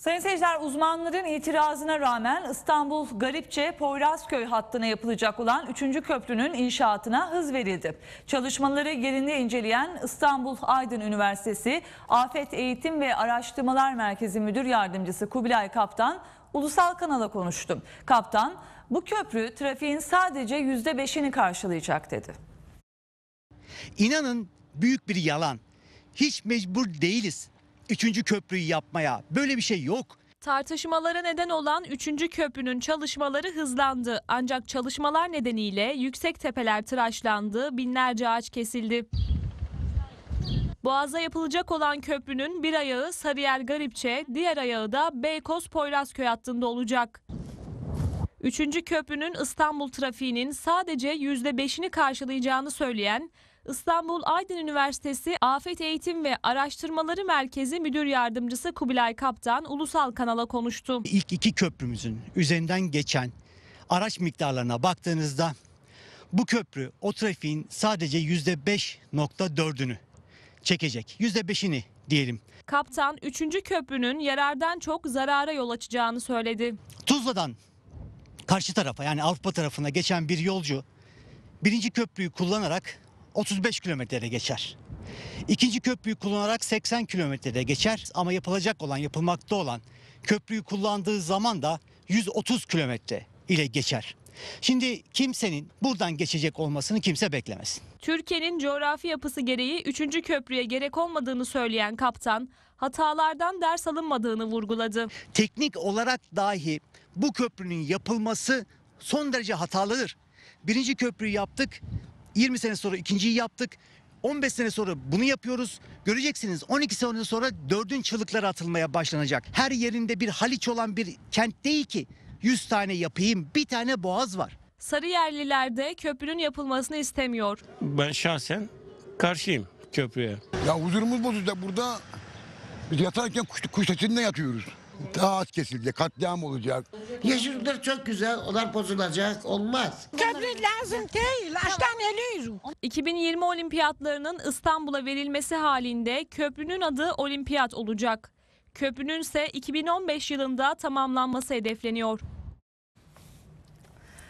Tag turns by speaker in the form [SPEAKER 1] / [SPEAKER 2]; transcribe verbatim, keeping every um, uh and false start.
[SPEAKER 1] Sayın seyirciler, uzmanların itirazına rağmen İstanbul Garipçe-Poyrazköy hattına yapılacak olan üçüncü köprünün inşaatına hız verildi. Çalışmaları yerinde inceleyen İstanbul Aydın Üniversitesi Afet Eğitim ve Araştırmalar Merkezi Müdür Yardımcısı Kubilay Kaptan ulusal kanala konuştu. Kaptan, bu köprü trafiğin sadece yüzde beşini karşılayacak dedi.
[SPEAKER 2] İnanın büyük bir yalan. Hiç mecbur değiliz üçüncü köprüyü yapmaya. Böyle bir şey yok.
[SPEAKER 3] Tartışmalara neden olan üçüncü köprünün çalışmaları hızlandı. Ancak çalışmalar nedeniyle yüksek tepeler tıraşlandı, binlerce ağaç kesildi. Boğaz'a yapılacak olan köprünün bir ayağı Sarıyer Garipçe, diğer ayağı da Beykoz Poyrazköy hattında olacak. Üçüncü köprünün İstanbul trafiğinin sadece yüzde beşini karşılayacağını söyleyen İstanbul Aydın Üniversitesi Afet Eğitim ve Araştırmaları Merkezi Müdür Yardımcısı Kubilay Kaptan ulusal kanala konuştu.
[SPEAKER 2] İlk iki köprümüzün üzerinden geçen araç miktarlarına baktığınızda bu köprü o trafiğin sadece yüzde beş nokta dördünü çekecek. yüzde beşini diyelim.
[SPEAKER 3] Kaptan üçüncü köprünün yarardan çok zarara yol açacağını söyledi.
[SPEAKER 2] Tuzla'dan karşı tarafa, yani Avrupa tarafına geçen bir yolcu birinci köprüyü kullanarak otuz beş kilometrede geçer. İkinci köprüyü kullanarak seksen kilometrede geçer ama yapılacak olan, yapılmakta olan köprüyü kullandığı zaman da yüz otuz kilometre ile geçer. Şimdi kimsenin buradan geçecek olmasını kimse beklemesin.
[SPEAKER 3] Türkiye'nin coğrafi yapısı gereği üçüncü köprüye gerek olmadığını söyleyen kaptan, hatalardan ders alınmadığını vurguladı.
[SPEAKER 2] Teknik olarak dahi bu köprünün yapılması son derece hatalıdır. Birinci köprüyü yaptık, yirmi sene sonra ikinciyi yaptık, on beş sene sonra bunu yapıyoruz. Göreceksiniz on iki sene sonra dördün çığlıkları atılmaya başlanacak. Her yerinde bir Haliç olan bir kent değil ki yüz tane yapayım, bir tane boğaz var.
[SPEAKER 3] Sarıyerliler de köprünün yapılmasını istemiyor.
[SPEAKER 4] Ben şahsen karşıyım köprüye.
[SPEAKER 5] Ya huzurumuz bozulacak burada. Biz yatarken kuş, kuş sesinde yatıyoruz. Ağaç kesilecek, katliam olacak.
[SPEAKER 6] Yeşillikler çok güzel, onlar bozulacak, olmaz.
[SPEAKER 7] Köprü lazım değil, hastaneliyiz.
[SPEAKER 3] iki bin yirmi olimpiyatlarının İstanbul'a verilmesi halinde köprünün adı Olimpiyat olacak. Köprünün ise iki bin on beş yılında tamamlanması hedefleniyor.